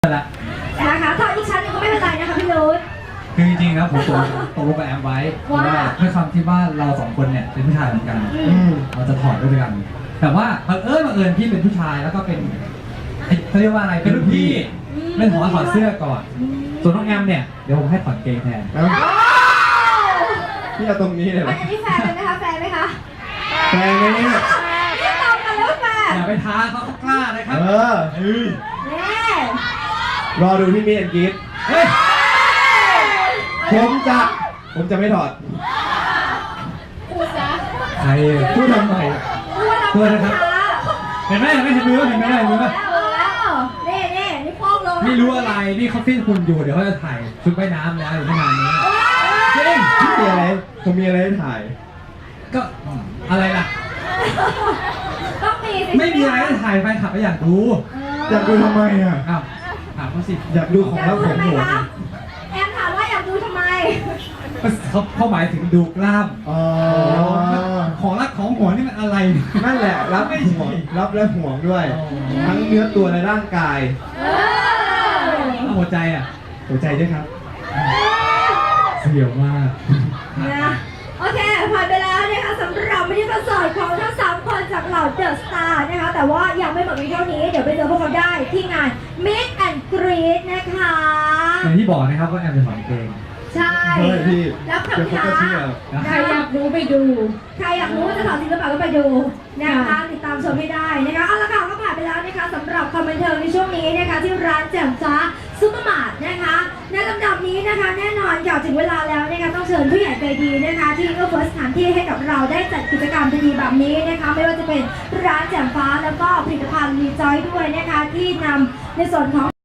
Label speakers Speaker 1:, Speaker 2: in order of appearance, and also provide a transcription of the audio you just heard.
Speaker 1: ละ
Speaker 2: นะคะถอดอีกชั้นหนึงก็ไม่เป็นไรนะคะพี่นุช
Speaker 1: คือจริงๆครับผมตกลงกับแอมไว้ว่าด้วยความที่ว่าเราสองคนเนี่ยเป็นผู้ชายเหมือนกันเราจะถอดด้วยกัน แต่ว่าบังเอิญพี่เป็นผู้ชายแล้วก็เป็นเขาเรียกว่าอะไรเป็นรุ่นพี่ไม่ขอถอดเสื้อก่อน ส่วนน้องแอมเนี่ยเดี๋ยวผมให้ถอดเกงแทน
Speaker 3: พี่เอาตรงนี้เลยเหรอ
Speaker 2: อันนี้แฟนเลยไหมคะแฟนไหมคะ
Speaker 3: แฟนไหมเนี่ย
Speaker 2: นี่ตอบกันแล้วแฟน
Speaker 1: อย่าไปท้าเขากล้าเลยครับ
Speaker 2: แน่
Speaker 3: รอดูที่มีแอนกีด
Speaker 1: เฮ้ย
Speaker 3: ผมจะไม่ถอด
Speaker 2: พูดซะ
Speaker 1: ใครพูดทำไม
Speaker 2: พูดนะครับ
Speaker 1: เห็นไหมเห็นมือเห็นไหม
Speaker 2: นี่พ่อลง
Speaker 1: ไม่รู้อะไรนี่เขาฟิ้นคุณอยู่เดี๋ยวเขาจะถ่ายชุดว่ายน้ำแล้วอยู่ไม่นานนี้จริง
Speaker 3: มีอะไรผมมีอะไรให้ถ่าย
Speaker 1: ก็อะไรล่ะ
Speaker 2: ต้องมี
Speaker 1: ไม่มีอะไรให้ถ่ายแฟนคลับก็อยากดู
Speaker 3: อยากดูทำไมอ่ะ
Speaker 1: อ้าวถามเขาสิ
Speaker 3: อยากดูของลับของหัว
Speaker 2: แอมถามว่าอยากดูทำไม
Speaker 1: เขาหมายถึงดูกล้าม
Speaker 3: อ๋อ
Speaker 1: ของรักของหัวนี่มันอะไร
Speaker 3: นั่นแหละรับห่วงรับและห่วงด้วย ทั้งเนื้อตัวและร่างกาย
Speaker 1: หัวใจอ่ะ
Speaker 3: หัวใจด้วยครับ
Speaker 1: เสียวมาก
Speaker 2: นะโอเคผ่านไปแล้วนะคะสำหรับมินิคอนเสิร์ตของทั้ง3คนจากเหล่าเดอะสตาร์นะคะแต่ว่ายังไม่หมดเพียงเท่านี้เดี๋ยวไปเจอพวกเขาได้ที่งาน Meet and Greet นะคะ
Speaker 1: อย่างที่บอกนะครับว่าแอมจะถอดเกง
Speaker 2: ใช่
Speaker 3: เฮ้ยพี่
Speaker 2: แล้วกับ
Speaker 3: เดี๋ยวเขา
Speaker 2: ค้า
Speaker 3: ก็เชื่อ
Speaker 2: ใครอยากรู้ไปดู ใครอยากรู้ว่าจะถอดจริงหรือเปล่าก็ไปดูนะคะติดตามชมให้ได้นะคะเอาละค่ะก็ผ่านไปแล้วนะคะสำหรับคอมเมนเทอร์ในช่วงนี้นะคะที่ร้านแจ่มฟ้าซุปเปอร์มาร์ทนะคะในลำดับนี้นะคะแน่นอนก่อนถึงเวลาแล้วนะคะต้องเชิญผู้ใหญ่ใจดีนะคะที่เอื้อเฟื้อสถานที่ให้กับเราได้จัดกิจกรรมดีๆแบบนี้นะคะไม่ว่าจะเป็นร้านแจ่มฟ้าแล้วก็ผลิตภัณฑ์รีจอยด้วยนะคะที่นำในส่วนของ